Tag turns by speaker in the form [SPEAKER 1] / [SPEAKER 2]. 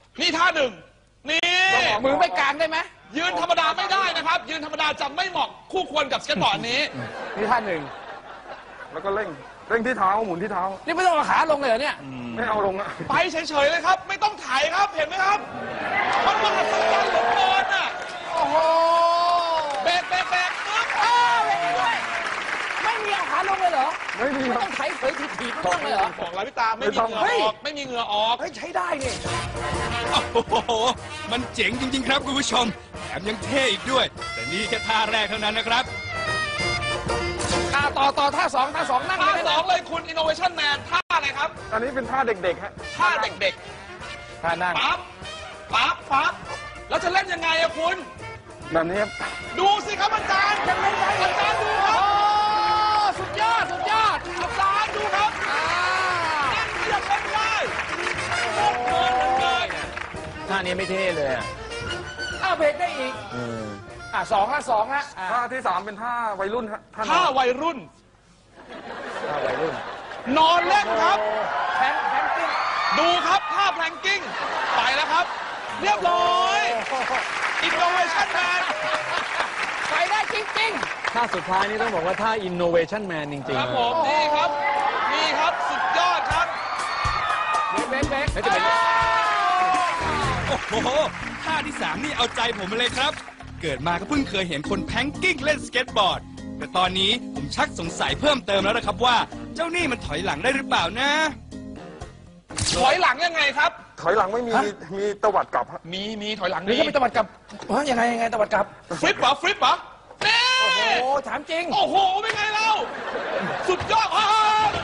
[SPEAKER 1] นี่ท่าหนึ่งนี่
[SPEAKER 2] มือไม่กลางได้ไหม
[SPEAKER 1] ยืนธรรมดาไม่ได้นะครับยืนธรรมดาจะไม่เหมาะคู่ควรกับสเก็ตบอร์ดนี้
[SPEAKER 2] นี่ท่าหนึ่ง
[SPEAKER 3] แล้วก็เร่งที่เท้าหมุนที่เท้า
[SPEAKER 2] นี่ไม่ต้องเอาขาลงเลยเหรอเนี่ย
[SPEAKER 3] ไม่เอาลงอะ
[SPEAKER 1] ไปเฉยๆเลยครับไม่ต้องถ่ายครับเห็นไหมครับมันมหัศจรรย์เหลือเกินอ่ะ
[SPEAKER 2] โอ้โห
[SPEAKER 1] เบรกปึ๊บ
[SPEAKER 2] เบรกด้วยไม่มีเอาขาลงเลยเหรอ
[SPEAKER 3] ไม่มี
[SPEAKER 2] ไม่ต้องไถเผยถีบไม่ต้องเลยเหรอ
[SPEAKER 1] บอกแล้วพี่ตาไม่มีเหงื่อออกไม่มีเหงื่อออก
[SPEAKER 2] เฮ้ยใช้ได้นี่
[SPEAKER 4] โอ้โหมันเจ๋งจริงๆครับคุณผู้ชมแถมยังเท่อีกด้วยแต่นี่แค่ท่าแรกเท่านั้นนะครับ
[SPEAKER 2] ต่อท่าสองนั่ง
[SPEAKER 1] ท่าสองเลยคุณ Innovation Man ท่าอะไรครับ
[SPEAKER 3] อันนี้เป็นท่าเด็กๆฮะ
[SPEAKER 1] ท่าเด็ก
[SPEAKER 2] ท่านั่ง
[SPEAKER 1] ปั๊บแล้วจะเล่นยังไงอะคุณ
[SPEAKER 3] แบบนี้ครับ
[SPEAKER 1] ดูสิครับอาจารย์
[SPEAKER 2] ยังไม่ได้
[SPEAKER 1] อาจารย์ดูครับ
[SPEAKER 2] สุดยอด
[SPEAKER 1] อาจารย์ดูครับนั่งเทียบกันได้โคตรเกินเลย
[SPEAKER 2] ท่านี้ไม่เท่เลยเบรกได้อีกสองฮะ
[SPEAKER 3] ท่าที่3เป็นท่าวัยรุ่นฮะ
[SPEAKER 1] ท่าวัยรุ่นนอนเล่นครับ
[SPEAKER 2] แพลงกิ้ง
[SPEAKER 1] ดูครับท่าแพลงกิ้งไปแล้วครับเรียบร้อย Innovation Man
[SPEAKER 2] ไปได้จริง
[SPEAKER 5] ๆท่าสุดท้ายนี่ต้องบอกว่าท่า Innovation Man จริงๆ
[SPEAKER 1] ครับผมนี่ครับสุดยอดครับ
[SPEAKER 2] เบรก
[SPEAKER 4] โอ้โหท่าที่3นี่เอาใจผมมาเลยครับเกิดมาก็เพิ่งเคยเห็นคนแพงกิ้งเล่นสเก็ตบอร์ดแต่ตอนนี้ผมชักสงสัยเพิ่มเติมแล้วนะครับว่าเจ้านี่มันถอยหลังได้หรือเปล่านะ
[SPEAKER 1] ถอยหลังยังไงครับ
[SPEAKER 3] ถอยหลังไม่มีตวัดกลับฮะ
[SPEAKER 1] มีถอยหลัง
[SPEAKER 2] นี่ก็มีตวัดกลับยังไงตวัดกลับ
[SPEAKER 1] ฟลิปเหรอนี่
[SPEAKER 2] โอ้โหถามจริง
[SPEAKER 1] โอ้โหเป็นไงเราสุดยอด